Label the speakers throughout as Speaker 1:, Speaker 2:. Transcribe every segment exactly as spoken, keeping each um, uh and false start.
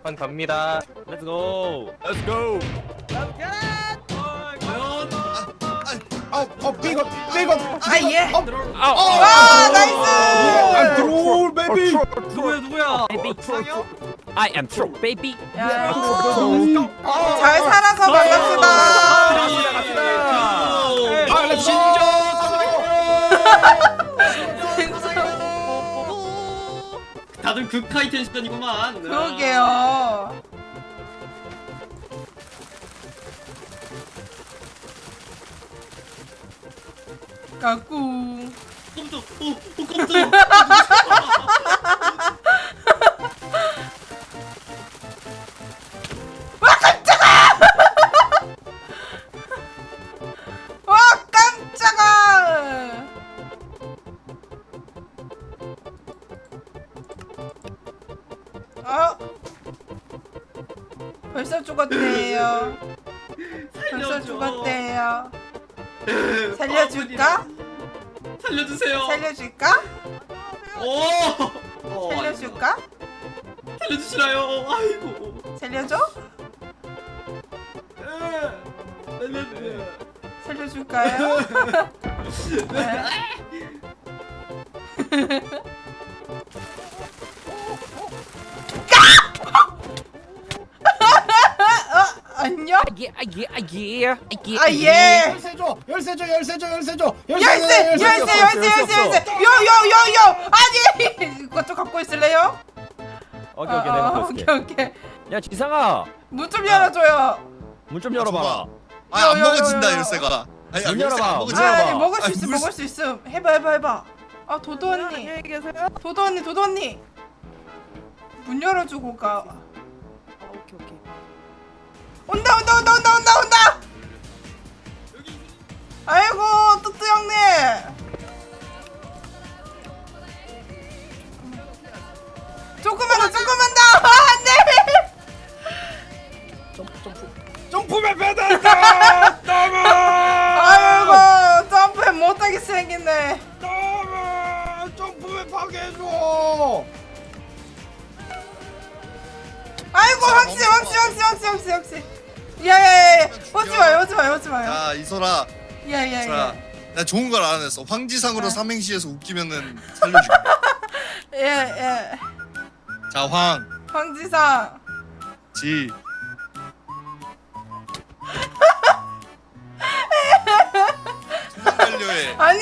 Speaker 1: 한 갑니다.
Speaker 2: Let's go. Let's go.
Speaker 3: 어, 어, 삐걱, 삐걱.
Speaker 4: 아 예.
Speaker 3: 어,
Speaker 2: 아,
Speaker 4: 와 나이스.
Speaker 3: I'm troll, baby.
Speaker 5: 누구야 누구야?
Speaker 2: I am troll, baby.
Speaker 4: 야,
Speaker 3: troll.
Speaker 4: 잘 살아서 반갑습니다.
Speaker 3: 아, 나 진짜.
Speaker 5: 다들 극하이 텐션이구만.
Speaker 4: 그러게요. 까꿍.
Speaker 5: 컴퓨터, 오, 오 컴퓨터.
Speaker 4: 와 깜짝아. 어? 벌써 죽었대요. 벌써 죽었대요. 살려줄까?
Speaker 5: 살려주세요.
Speaker 4: 살려줄까?
Speaker 5: 오. 어,
Speaker 4: 살려줄까?
Speaker 5: 살려주시나요? 아이고.
Speaker 4: 살려줘?
Speaker 5: 살려주세요.
Speaker 4: 살려줄까요? 네. 어, 안녕?
Speaker 2: Yeah, yeah, yeah, yeah.
Speaker 4: 아 예.
Speaker 3: 열쇠 줘, 열쇠 줘, 열쇠 줘, 열쇠 줘.
Speaker 4: 열쇠 열쇠 열쇠 열쇠 열쇠 요요요요 아니 이것도 갖고 있을래요?
Speaker 2: 오케이, 오케이, 내가
Speaker 4: 어,
Speaker 2: 갖고 있을게.
Speaker 4: 오케이 오케이
Speaker 2: 야, 지상아,
Speaker 4: 문 좀 열어줘요.
Speaker 2: 문 좀 열어봐라.
Speaker 6: 아, 안
Speaker 4: 요, 요,
Speaker 6: 먹어진다
Speaker 4: 요, 요.
Speaker 6: 열쇠가. 아니,
Speaker 2: 문
Speaker 6: 열쇠가
Speaker 2: 열어봐,
Speaker 6: 안
Speaker 2: 문
Speaker 6: 먹어진다.
Speaker 4: 아,
Speaker 2: 열어봐.
Speaker 4: 아니 먹을 수
Speaker 6: 아니,
Speaker 4: 있음
Speaker 6: 물-
Speaker 4: 먹을 수 있음 해봐 해봐 해봐. 아 도도 언니
Speaker 7: 안녕히 계세요.
Speaker 4: 도도 언니 도도 언니 문 열어주고 가.
Speaker 7: 아, 오케이 오케이.
Speaker 4: 온다 온다 온다 온다 온다 온다. 아이고 뚜뚜 형님. 조금만 더 조금만 더 안돼.
Speaker 3: 점프맨 배달다. 너무,
Speaker 4: 아이고 점프 못하게 생겼네.
Speaker 3: 너무 점프맨 파괴해줘.
Speaker 4: 아이고 황씨 황씨 황씨 황씨 황씨 황씨. 야야야 오지 마요 오지 마요 오지 마요.
Speaker 6: 야, 이소라. 자,
Speaker 4: 야야야.
Speaker 6: 나 좋은 걸 알아냈어. 황지상으로
Speaker 4: 아.
Speaker 6: 삼행시에서 웃기면은 살려줄게.
Speaker 4: 예예.
Speaker 6: 자, 황,
Speaker 4: 황지상.
Speaker 6: 지. 도망 갈려해.
Speaker 4: 아니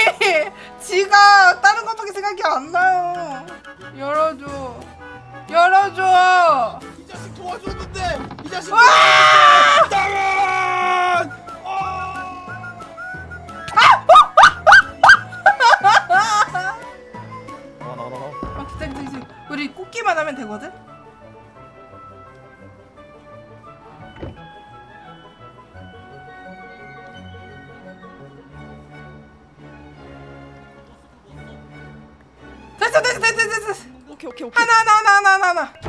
Speaker 4: 지가 다른 것밖에 생각이 안 나요. 열어줘. 열어줘.
Speaker 3: 이 자식 도와줬는데, 이 자식.
Speaker 4: 와!
Speaker 3: 나만.
Speaker 2: 나와, 나와, 나와.
Speaker 4: 아 기다려 기다려 기다려. 우리 꽂기만 하면 되거든. 됐어 됐어 됐어 됐어 됐어.
Speaker 7: 오케이 오케이 오케이.
Speaker 4: 하나 하나 하나 하나 하나 하나.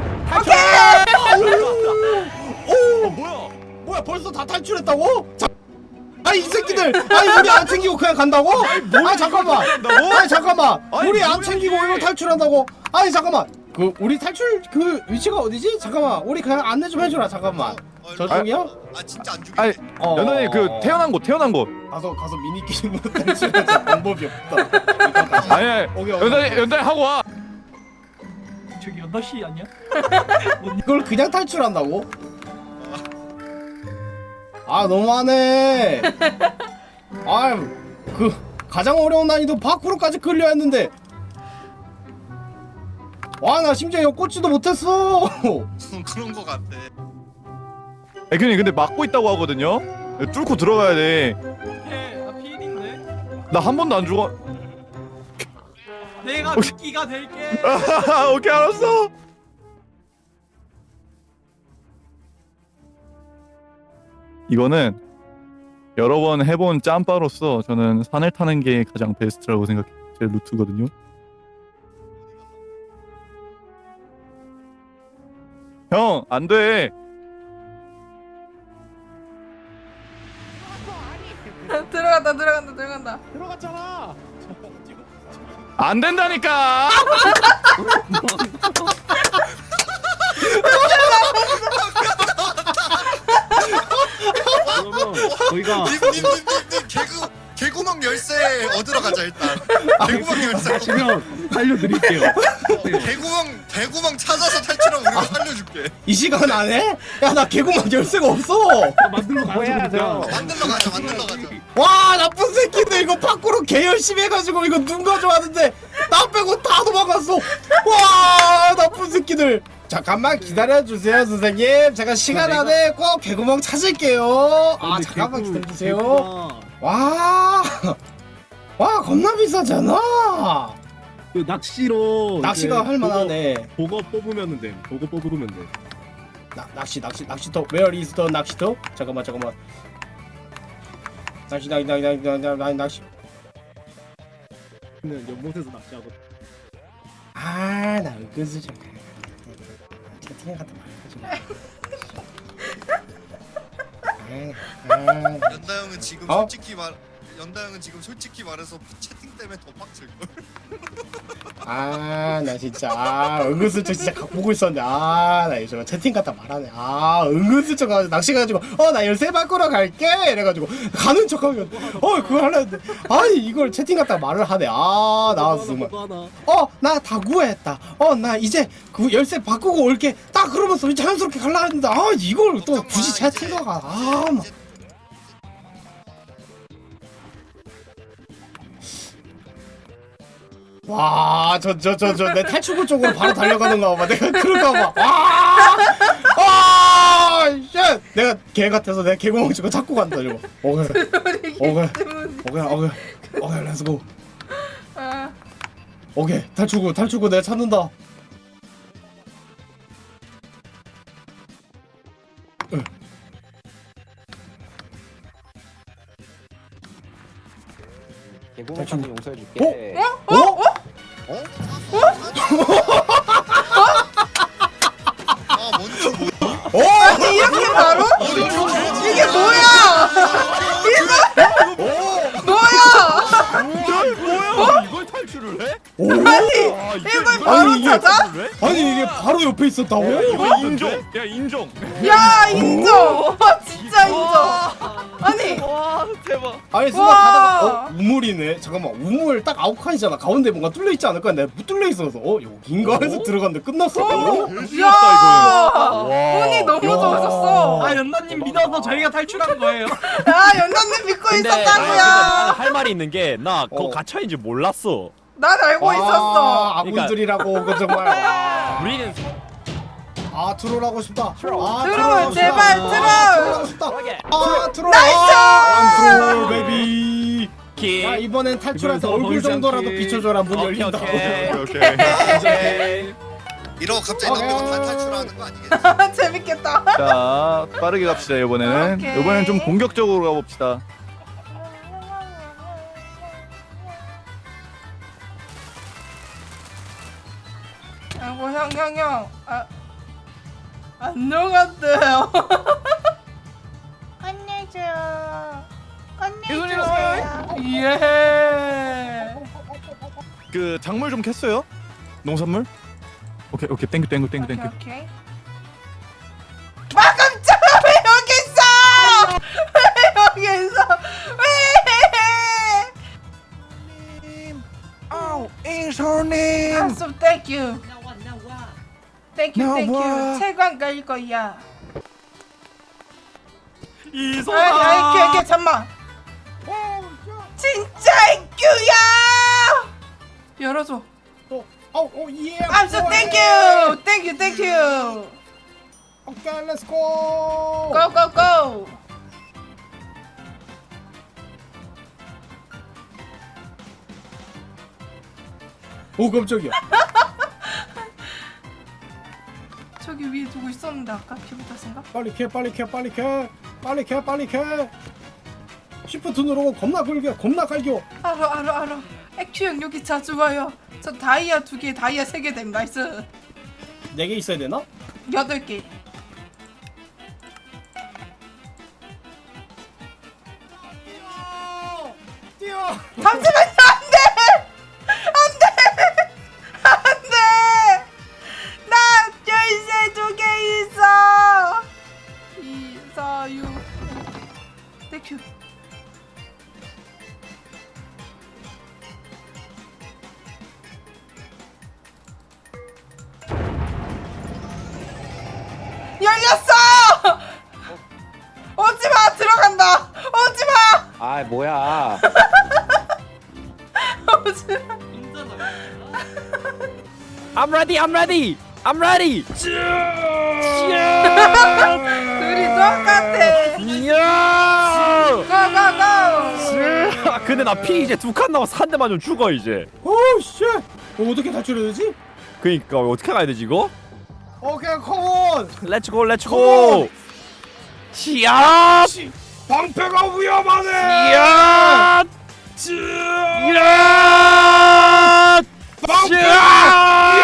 Speaker 2: 어, 뭐야?
Speaker 3: 뭐야, 벌써 다 탈출했다고? 자, 아니 이 새끼들, 아니 우리 안 챙기고 그냥 간다고? 아니 잠깐만, 아니 잠깐만,
Speaker 2: 아니,
Speaker 3: 우리 안
Speaker 2: 뭐야,
Speaker 3: 챙기고
Speaker 2: 이게.
Speaker 3: 이거 탈출한다고? 아니 잠깐만, 그 우리 탈출 그 위치가 어디지? 잠깐만, 우리 그냥 안내 좀 해줘라. 잠깐만,
Speaker 6: 어,
Speaker 3: 저쪽이요?
Speaker 6: 아, 진짜 안 죽여.
Speaker 2: 아니,
Speaker 3: 어,
Speaker 2: 연단이 그 태어난 곳, 태어난 곳.
Speaker 3: 가서 가서 미니 게임으로 탈출하자. 방법이 없다. 일단 가자.
Speaker 2: 아니, 아니,
Speaker 3: 오케이, 오케이.
Speaker 2: 연단이, 연단이 하고 와.
Speaker 5: 저기 연다 씨 아니야?
Speaker 3: 이걸 그냥 탈출한다고? 아 너무하네. 아그 가장 어려운 난이도 파쿠르까지 클리어 했는데, 와 나 심지어 이거 꽂지도 못했어.
Speaker 6: 그런 거 같아.
Speaker 2: 애균이 근데 막고 있다고 하거든요. 뚫고 들어가야 돼.
Speaker 5: 해, 나 피일인데.
Speaker 2: 나 한 번도 안 죽어.
Speaker 5: 내가
Speaker 2: 혹시-
Speaker 5: 미끼가 될게.
Speaker 2: 오케이, 알았어. 이거는 여러 번 해본 짬바로서 저는 산을 타는 게 가장 베스트라고 생각해요. 제 루트거든요. 형, 안 돼.
Speaker 4: 들어간다 들어간다 들어간다.
Speaker 3: 들어갔잖아.
Speaker 2: 안 된다니까.
Speaker 1: 저희가
Speaker 6: 님님님님 개구 개구멍 열쇠 얻으러 가자 일단. 개구멍 열쇠.
Speaker 1: 가시면 살려드릴게요.
Speaker 6: 개구멍 개구멍 찾아서 탈출하면 우리가 살려줄게.
Speaker 3: 이 시간 안에? 야 나 개구멍 열쇠가 없어.
Speaker 1: 만들러 가야죠 그러니까.
Speaker 6: 만들러 가자 만들러 가자.
Speaker 3: 와 나쁜 새끼들 이거 밖으로 개 열심히 해가지고 이거 눈 가져왔는데 나 빼고 다 도망갔어. 와 나쁜 새끼들. 잠깐만 기다려주세요 선생님. 제가 시간
Speaker 1: 내가-
Speaker 3: 안에 꼭 개구멍 찾을게요. 아
Speaker 1: 근데
Speaker 3: 잠깐만
Speaker 1: 개구-
Speaker 3: 기다려주세요.
Speaker 1: 개구가
Speaker 3: 와, 와 겁나 비싸잖아.
Speaker 1: 그 낚시로
Speaker 3: 낚시가
Speaker 1: 이제
Speaker 3: 할만하네.
Speaker 1: 보거, 보거 뽑으면 돼. 보거 뽑으면 돼.
Speaker 3: 나, 낚시 낚시 낚시터 Where is the 낚시터? 잠깐만 잠깐만. 낚시 낚시 낚시 낚시 낚시 낚시.
Speaker 1: 는 연못에서 낚시하고.
Speaker 3: 아나 은근슬쩍 채팅에 갔다 말하지 마.
Speaker 6: 연다 형은 지금
Speaker 3: 어?
Speaker 6: 솔직히 말 연다 형은 지금 솔직히 말해서 채팅 때문에 더 빡칠 걸.
Speaker 3: 아나 진짜 아, 은근슬쩍 진짜 각 보고 있었는데 아나 요즘 채팅 갔다 말하네. 아 은근슬쩍 가지고 낚시 가지고 어 나 열쇠 바꾸러 갈게 이래가지고 가는 척하면 어 그거 하려는데 아니 이걸 채팅 갔다 말을 하네. 아 나왔어 정말.
Speaker 1: 보거 하나.
Speaker 3: 어 나 다 구했다. 어 나 이제 그 열쇠 바꾸고 올게. 딱 그러면서 자연스럽게 갈라 했는데 아 이걸 또 굳이 채팅가 가. 아 막. 와, 저, 저, 저, 저, 내 탈출구 쪽으로 바로 달려가는가 봐. 내가 그럴까 봐. 와! 아! 쉣! 내가 개 같아서 내가 개구멍 치고 잡고 간다, 저거. 오케이. 오케이. 오케이, 오케이. 오케이, 렛츠고.
Speaker 4: 아,
Speaker 3: 오케이, 탈출구, 탈출구 내가 찾는다. 응.
Speaker 8: 개구멍까지 용서해줄게.
Speaker 3: 어? 어?
Speaker 6: 아 뭔지 모르.
Speaker 3: 어?
Speaker 4: 아니 이렇게 바로? 이게 뭐야? 이거 뭐야?
Speaker 2: 뭐야? 이걸 탈출을 해?
Speaker 3: 오?
Speaker 4: 아니
Speaker 2: 아,
Speaker 4: 이걸 바로
Speaker 3: 아니, 이게-
Speaker 4: 찾아?
Speaker 3: 아니, 이게 바로 옆에 있었다고?
Speaker 2: 이거 인정. 야 인정.
Speaker 4: 야 인정. 와 진짜 인정. 아니
Speaker 5: 와 대박.
Speaker 3: 아니 순간
Speaker 4: 와.
Speaker 3: 가다가 어? 우물이네. 잠깐만 우물 딱 아홉 칸이잖아. 가운데 뭔가 뚫려있지 않을까? 내가 못 뚫려있어서 어? 여긴가 해서 들어갔는데 끝났어. 어?
Speaker 4: 야
Speaker 2: 와.
Speaker 4: 운이 너무
Speaker 3: 야.
Speaker 4: 좋으셨어.
Speaker 5: 아 연나님 믿어서 저희가 탈출한 거예요.
Speaker 4: 아 연남님 믿고
Speaker 8: 근데, 아, 근데
Speaker 4: 있었다고요.
Speaker 8: 나는 할 말이 있는 게 나 그거
Speaker 3: 어.
Speaker 8: 갇혀있는 줄 몰랐어.
Speaker 4: 난 알고
Speaker 3: 와,
Speaker 4: 있었어.
Speaker 3: 아군들이라고 그 정말. 와.
Speaker 8: 우리는
Speaker 3: 아 트롤 하고 싶다. 아
Speaker 4: 트롤,
Speaker 3: 하고
Speaker 4: 제발,
Speaker 3: 싶다.
Speaker 4: 트롤.
Speaker 3: 아, 트롤 하고 싶다. 아 트롤.
Speaker 4: 나이스!
Speaker 3: 아, 트롤 베이비.
Speaker 8: 키.
Speaker 3: 야 이번엔 탈출해서
Speaker 1: 이번엔 더
Speaker 3: 얼굴
Speaker 1: 보이지
Speaker 3: 정도라도
Speaker 1: 않게.
Speaker 3: 비춰줘라. 문
Speaker 8: 오케이,
Speaker 3: 열린다고.
Speaker 8: 오케이.
Speaker 2: 오케이.
Speaker 8: 오케이.
Speaker 6: 이러고 갑자기
Speaker 3: 어,
Speaker 6: 남들고 다
Speaker 3: 어.
Speaker 6: 탈출하는 거 아니겠지?
Speaker 4: 재밌겠다.
Speaker 2: 자 빠르게 갑시다 이번에는.
Speaker 4: 오케이.
Speaker 2: 이번엔 좀 공격적으로 가봅시다.
Speaker 4: 아이고 형 형 형. 아 안녕하세요. 건네줘. 건네줘. 예.
Speaker 2: 그 작물 좀 캤어요? 농산물? 오케이 오케이 땡큐 땡큐 땡큐
Speaker 4: 오케이
Speaker 2: 땡큐.
Speaker 4: 오케이. 아 깜짝아 왜 여기 있어? 왜 여기 있어? 왜?
Speaker 8: 아우 인솔님.
Speaker 4: 한숨 땡큐. 땡큐
Speaker 8: 나와.
Speaker 4: 땡큐. 채광 갈 거야.
Speaker 5: 이소아.
Speaker 4: 아이 아이 걔걔 잠만. 진짜 인큐야. 열어줘.
Speaker 3: 어어 예.
Speaker 4: I'm so thank you. Thank you thank you.
Speaker 3: 오케이 렛츠 고.
Speaker 4: Go go go.
Speaker 3: 오 깜짝이야.
Speaker 4: 저기 위에 두고 있었는데 아까 기분 탓인가?
Speaker 3: 빨리 캐 빨리 캐 빨리 캐 빨리 캐 빨리 캐. 시프트 누르고 겁나 굴겨 겁나 갈겨.
Speaker 4: 알아 알아 알아. 액추 형 여기 자주 와요. 저 다이아 두 개, 다이아 세 개 됨. 나이스.
Speaker 3: 네 개 있어야 되나?
Speaker 4: 여덟 개.
Speaker 3: 뛰어.
Speaker 4: 잠시만요. 안돼. 안돼. 안돼. 나 열쇠 두 개 있어. 이, 사, 육. 큐. 열렸어! 오지마! 들어간다! 오지마!
Speaker 8: 아 뭐야.
Speaker 4: 오지마!
Speaker 8: I'm ready. I'm ready. I'm ready.
Speaker 4: 둘이 똑같아!
Speaker 8: 이야.
Speaker 4: 고고고!
Speaker 8: 아, 근데 나 피 이제 두 칸 남아서 한 대 맞으면 죽어 이제.
Speaker 3: 오씨. 어, 어떻게 탈출해야 되지?
Speaker 8: 그니까 어떻게 가야 되지 이거?
Speaker 3: 오케이 컴온.
Speaker 8: 렛츠고 렛츠고. 시야.
Speaker 3: 방패가 위험하네.
Speaker 8: 이야. 이야.
Speaker 3: 방패가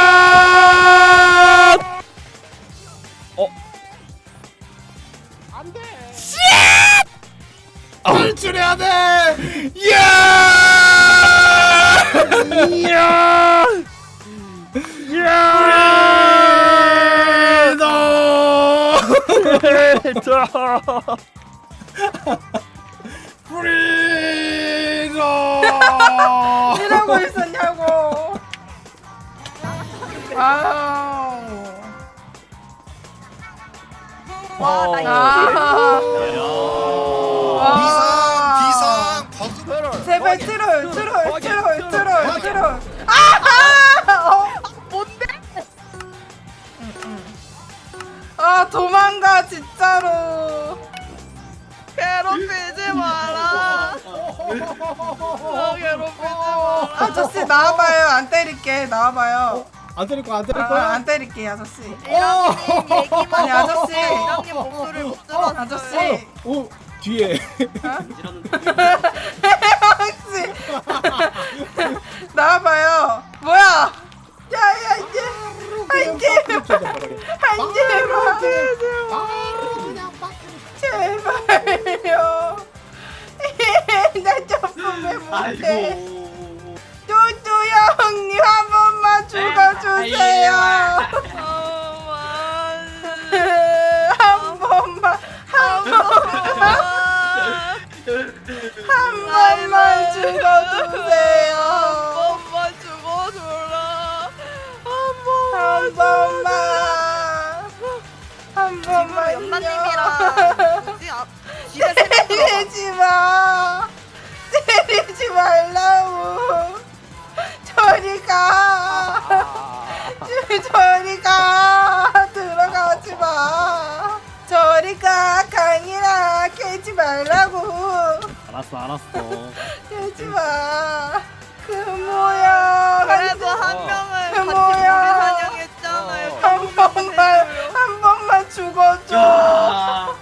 Speaker 8: 어?
Speaker 3: 탈출해야 돼. 예!
Speaker 8: 이야. 이야.
Speaker 3: 프리덤.
Speaker 4: 이러고 있었냐고! 아우.
Speaker 7: 와, 나 이거
Speaker 4: 아.
Speaker 6: 비상 비상 버그.
Speaker 4: 제발 트롤 트롤 트롤 트롤 트롤. 아하! 어.
Speaker 7: 뭔데?
Speaker 4: 아 도망가 진짜로.
Speaker 7: 괴롭히지 마라. 어, 괴롭히지 마라.
Speaker 4: 아저씨 나와봐요. 안 때릴게. 나와봐요.
Speaker 3: 안 때릴 거야 안 때릴
Speaker 4: 아,
Speaker 3: 거야.
Speaker 4: 안 때릴게 아저씨.
Speaker 7: 이랑님 얘기만
Speaker 4: 아니, 아저씨.
Speaker 7: 이랑님 목소리를 못 들었어요.
Speaker 4: 아저씨.
Speaker 3: 오 뒤에.
Speaker 4: 혹시 나와봐요. 뭐야? 야야 이제 한개 한개 제발요. 나 점프를 못해. 뚜뚜 형님 한 번만 죽어주세요. 한 번만 한 번만 한 번만 죽어주세요.
Speaker 7: 엄마 죽어줘라.
Speaker 4: 한 번만 한 번만
Speaker 7: 연마님이랑 뭐지? 아, 집에 세명 들어가.
Speaker 4: 때리지 마. 때리지 말라고. 저리 가. 저리 가. 들어가지 마. 저리 가. 강이라 깨지 말라고.
Speaker 1: 알았어 알았어.
Speaker 4: 깨지 마. 그 모양.
Speaker 7: 그래도 한 명을
Speaker 4: 그
Speaker 7: 같이
Speaker 4: 뭐야.
Speaker 7: 우리 사냥했잖아요.
Speaker 4: 한 번만 한 번만 죽어줘.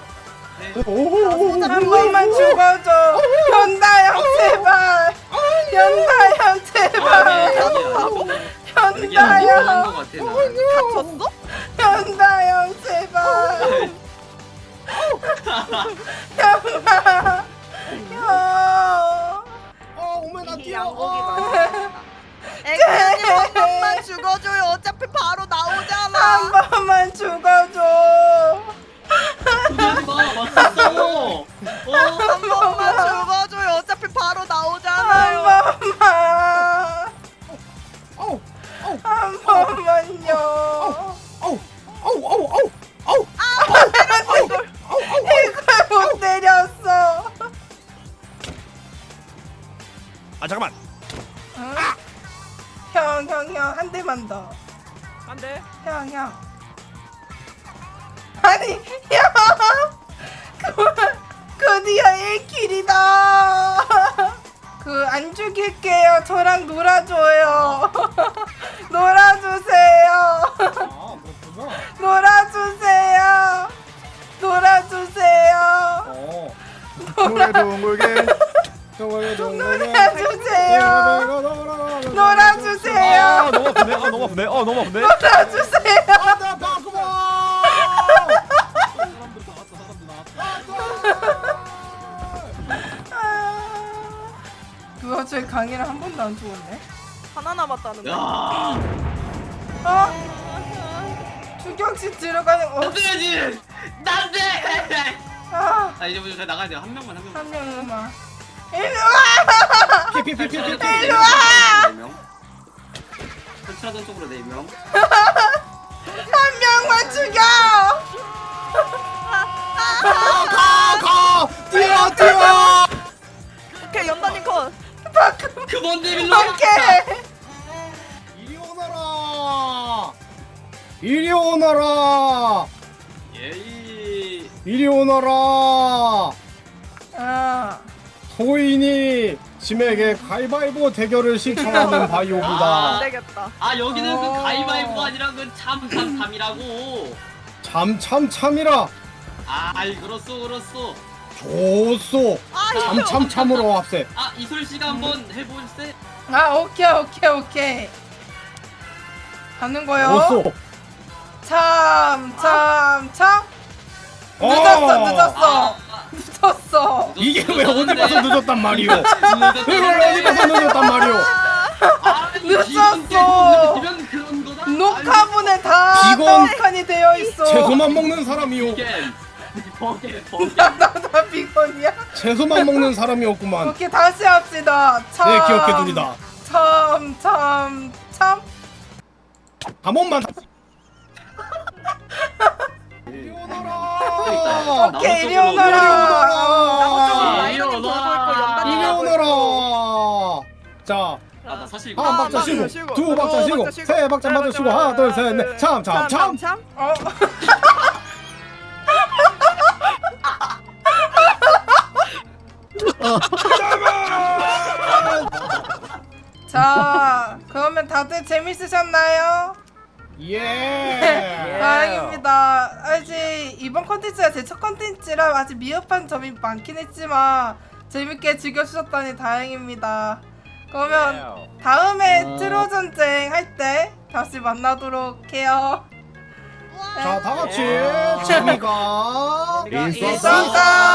Speaker 4: 한 번만 죽어줘. 연다형 제발. 연다형 제발. 연다형.
Speaker 7: 다쳤어?
Speaker 4: 연다형 제발. 형아. 형.
Speaker 3: 어 오메 나
Speaker 7: 이
Speaker 3: 뛰어.
Speaker 7: 양고기
Speaker 3: 어.
Speaker 7: 맛있다. 액션님 한 번만 죽어줘요. 어차피 바로
Speaker 4: 한
Speaker 7: 나오잖아.
Speaker 4: 번만 죽어줘.
Speaker 5: 하지 마. 맞췄어.
Speaker 7: 한 번만 죽어줘요. 어차피 바로
Speaker 4: 한
Speaker 7: 나오잖아요.
Speaker 4: 번만.
Speaker 3: 어우 어우
Speaker 4: 한 번만요.
Speaker 3: 어우 어우 어우 어우 어우.
Speaker 4: 이걸 못 때렸어.
Speaker 8: 아 잠깐만.
Speaker 4: 응? 형, 형, 형, 한 대만 더.
Speaker 8: 안 돼.
Speaker 4: 형, 형. 아니, 형! 그, 드디어 일 킬이다. 그, 안 죽일게요. 저랑 놀아줘요. 놀아주세요.
Speaker 3: 아 그렇구나.
Speaker 4: 놀아주세요. 놀아주세요.
Speaker 3: 어.
Speaker 2: 동물게 동물게.
Speaker 3: 동물게 동물게.
Speaker 4: 놀아주세요. 놀아주세요.
Speaker 8: 아 너무 아프네. 아 너무 아프네. 어 너무 아프네.
Speaker 4: 놀아주세요.
Speaker 3: 나 바꾸마.
Speaker 4: 누가 제 강의를 한 번도 안 죽었네?
Speaker 7: 하나 남았다는데.
Speaker 5: 야.
Speaker 4: 어? 추격시 들어가는 어?
Speaker 5: 안돼야지. 안돼.
Speaker 4: 아,
Speaker 5: 아 이제 우리 나가야 돼요. 한 명만 한 명만.
Speaker 4: 한 명만. 일로 와!
Speaker 3: 피피피피피.
Speaker 4: 일로 와!
Speaker 5: 네 명. 설치하던 쪽으로 네 명.
Speaker 4: 한 명만 죽여!
Speaker 3: 가, 가, 가! 뛰어, 뛰어!
Speaker 7: 오케이 연단님 컷.
Speaker 5: 그뭔데 일로 와.
Speaker 4: 오케이!
Speaker 3: 이리 오너라! 이리 오너라!
Speaker 5: 예이.
Speaker 3: 이리 오너라!
Speaker 4: 아,
Speaker 3: 소인이 짐에게 가위바위보 대결을 신청하는 바이오부다.
Speaker 7: 안 되겠다.
Speaker 5: 아 여기는
Speaker 4: 어.
Speaker 5: 그 가위바위보가 아니라 그 참참참이라고.
Speaker 3: 참, 참, 참이라.
Speaker 5: 아이 그렇소 그렇소.
Speaker 3: 좋소.
Speaker 7: 아
Speaker 3: 참, 참, 참으로 합세.
Speaker 5: 아 이솔 씨가 한번 해볼세.
Speaker 4: 아, 오케이, 오케이, 오케이. 가는 거요.
Speaker 3: 좋소.
Speaker 4: 참, 참, 참.
Speaker 3: 어.
Speaker 4: 늦었어, 늦었어.
Speaker 5: 아,
Speaker 4: 늦었어.
Speaker 3: 이게 왜 어디 가서 늦었단 말이오?
Speaker 5: 늦었다.
Speaker 3: 이걸 어디 가서 늦었단 말이오?
Speaker 5: 아,
Speaker 4: 늦었어.
Speaker 5: 비건 그런 거다.
Speaker 4: 녹화분에 다
Speaker 3: 비건
Speaker 4: 떡하니 되어 있어.
Speaker 3: 채소만 먹는 사람이오.
Speaker 5: 비건. 버게 버게.
Speaker 4: 나, 나, 나 비건이야?
Speaker 3: 채소만 먹는 사람이었구만.
Speaker 4: 오케이, 다시 합시다. 참.
Speaker 3: 네, 기억해두리다.
Speaker 4: 참, 참, 참.
Speaker 3: 한 번만. 이리 오너라.
Speaker 4: 오케이, 이리
Speaker 5: 나무 쪽으로,
Speaker 4: 오너라.
Speaker 3: 오너라.
Speaker 7: 이리
Speaker 5: 오너라.
Speaker 7: 라이너님
Speaker 3: 이리
Speaker 7: 돌고 있고
Speaker 3: 오너라. 자,
Speaker 5: 아, 나 사실 이거
Speaker 3: 한
Speaker 7: 아,
Speaker 3: 박자
Speaker 7: 맞아,
Speaker 3: 쉬고,
Speaker 7: 쉬고.
Speaker 3: 두 박자
Speaker 7: 두
Speaker 3: 쉬고,
Speaker 7: 박자 쉬고,
Speaker 3: 세 박자
Speaker 7: 세
Speaker 3: 맞아
Speaker 7: 박자
Speaker 3: 쉬고, 하나, 둘, 셋, 넷, 참, 참, 참.
Speaker 7: 참.
Speaker 4: 어. 자, 그러면 다들 재밌으셨나요?
Speaker 3: 예.
Speaker 4: 다행입니다. 아직 이번 컨텐츠가 제 첫 컨텐츠라 아직 미흡한 점이 많긴 했지만 재밌게 즐겨주셨다니 다행입니다. 그러면 다음에 트로 전쟁 할 때 다시 만나도록 해요.
Speaker 3: 자, 다 같이 재미가
Speaker 4: 있었다.